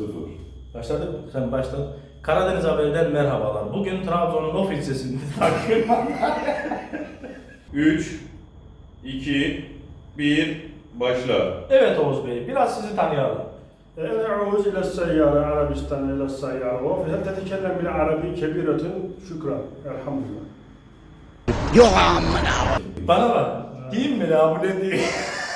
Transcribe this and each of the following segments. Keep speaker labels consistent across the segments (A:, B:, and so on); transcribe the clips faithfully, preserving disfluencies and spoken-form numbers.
A: sıfır.
B: Başladık mı? Sen başladın. Karadeniz Haber'den merhabalar. Bugün Trabzon'un of ilçesinde takip.
A: üç, iki, bir, başla.
B: Evet Oğuz Bey, biraz sizi tanıyalım.
C: أنا أعوز إلى السيارة عربستان إلى السيارة وهل تتكلم بالعربي كبيرة شكرا الحمد لله
B: Bana bak, diyeyim mi la bu ne diyeyim?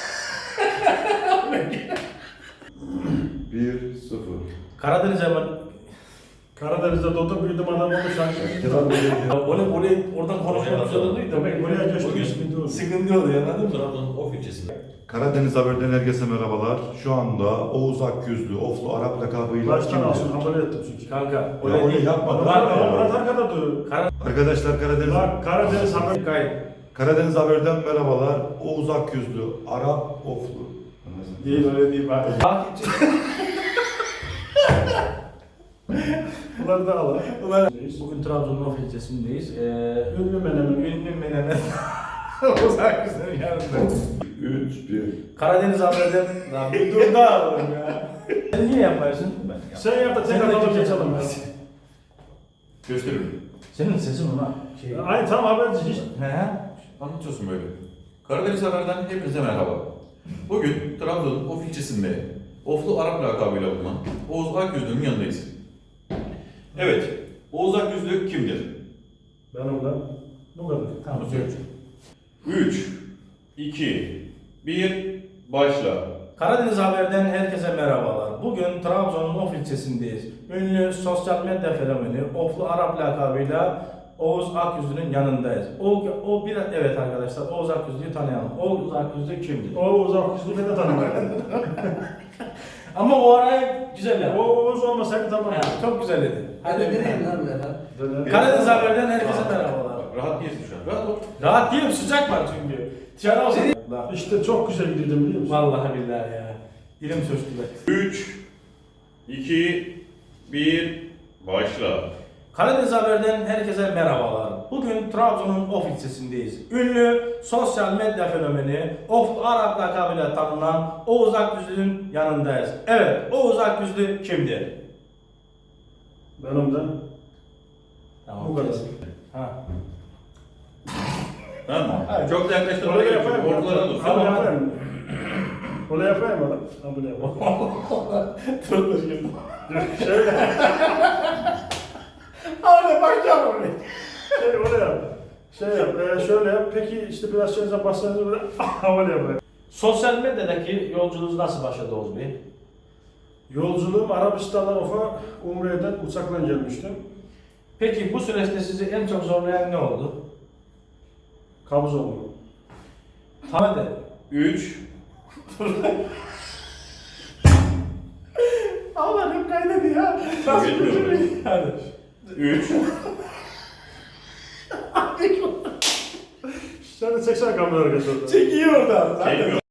A: bir, sıfır.
B: Karadeniz Haber...
C: Karadeniz'de doğdum büyüdüm adam oldu sanki.
B: Onu buraya oradan konuşmak zorunda değil
C: Demek
B: de.
C: buraya geçti sıkıntı oldu.
B: Sıkıntı oluyor, anladın mı?
D: Trabzon'un of ilçesinde.
E: Karadeniz Haber'den herkese merhabalar. Şu anda Oğuz Akyüzlü, Oflu Arap lakabıyla
C: Baştan
E: kimdir?
C: alsın haberi ettim çünkü.
B: Kanka,
E: Ya
B: öyle
E: öyle
B: değil.
E: yapma.
B: Bak,
C: Bak
E: ya.
C: Murat arkada dur.
E: Arkadaşlar Karadeniz,
C: Bak Karadeniz haber.
B: Kayıt.
E: Karadeniz Haber'den merhabalar. Oğuz Akyüzlü, Arap, Oflu.
B: Değil, öyle değil bak.
C: Bunları da al.
B: Ulan, bugün Trabzon'un of ilçesindeyiz. Ee,
C: Ünlü menemen.
B: ünlü menemen. Uzak güzel yanında.
A: üç, bir.
B: Karadeniz Haber'den... Lan bir dur da oğlum ya. Sen niye yapmıyorsun? Ben
C: Sen yap da
B: Sen
C: tekrar
B: de
C: alıp
B: kimse
C: geçelim.
B: yapamaz.
A: Gösterin.
B: Senin sesin ona şey...
C: Aynı tam haberci hiç.
B: He?
A: Anlatıyorsun böyle. Karadeniz Haber'den hepinize merhaba. Bugün Trabzon'un of ilçesinde Oflu Arap lakabıyla bulunan Oğuz Akyüzlü'nün yanındayız. Evet, Oğuz Akyüzlü kimdir?
C: Benim de. Bu kadar.
B: Tamam,
A: Bunu söyle. üç, iki, bir, başla.
B: Karadeniz Haber'den herkese merhabalar. Bugün Trabzon'un of ilçesindeyiz. Ünlü sosyal medya fenomeni Oflu Arap lakabıyla Oğuz Akyüzlü'nün yanındayız. O, o bir evet arkadaşlar Oğuz Akyüzlü'yü tanıyalım. Oğuz Akyüzlü kimdir?
C: O uzak yüzlü beni de tanımayın.
B: Ama o arayı güzel
C: O
B: ya.
C: Oğuz olmasaydı tamam.
B: Ha, çok güzel dedi.
D: Hadi
B: Hadi
D: vereyim lan birader.
C: Döner.
B: Karadeniz Haber'den herkese merhabalar.
A: Bak, rahat değilsin şu an. Rahat ol.
B: Rahat değilim, sıcak var çünkü. Dışarı olsun.
C: İşte çok güzel gidiyordum biliyor musun?
B: Vallahi billahi ya. Dilim sürçtü be.
A: üç, iki, bir, başla.
B: Karadeniz Haber'den herkese merhabalar. Bugün Trabzon'un of ilçesindeyiz. Ünlü sosyal medya fenomeni Oflu Arap lakabıyla tanınan Oğuz Akyüzlü'nün yanındayız. Evet, Oğuz Akyüzlü kimdir?
C: Benim de.
B: Tamam,
C: Bu kadar.
B: kesin. Ha.
A: Tamam mı?
B: Evet.
A: Çok da yaklaştın.
C: Öyle yapayım mı?
A: Ortalara dur.
C: Öyle yapayım mı? Öyle yapayım mı? Ha böyle yapayım.
B: Dur dur şimdi.
C: Şöyle.
B: Abi bakacağım oraya.
C: Şey öyle yap. Şey yap. E, şöyle yap. Peki işte biraz şeyinize bassanız böyle öyle yapayım.
B: Sosyal medyadaki yolculuğunuz nasıl başladı Oğuz Bey?
C: Yolculuğum Arabistan'dan Of'a Umre'den uçakla gelmiştim.
B: Peki bu süreçte sizi en çok zorlayan ne oldu?
C: Kabız oldum.
B: Tamam de.
A: üç,
B: Allah'ım kaynadı ya. Nasıl
A: Geliyor.
B: bir Hadi.
A: üç,
C: Sen de çeksene kamerayı arkadaşlar.
B: Çekiyor oradan. Zaten
A: Çekiyor.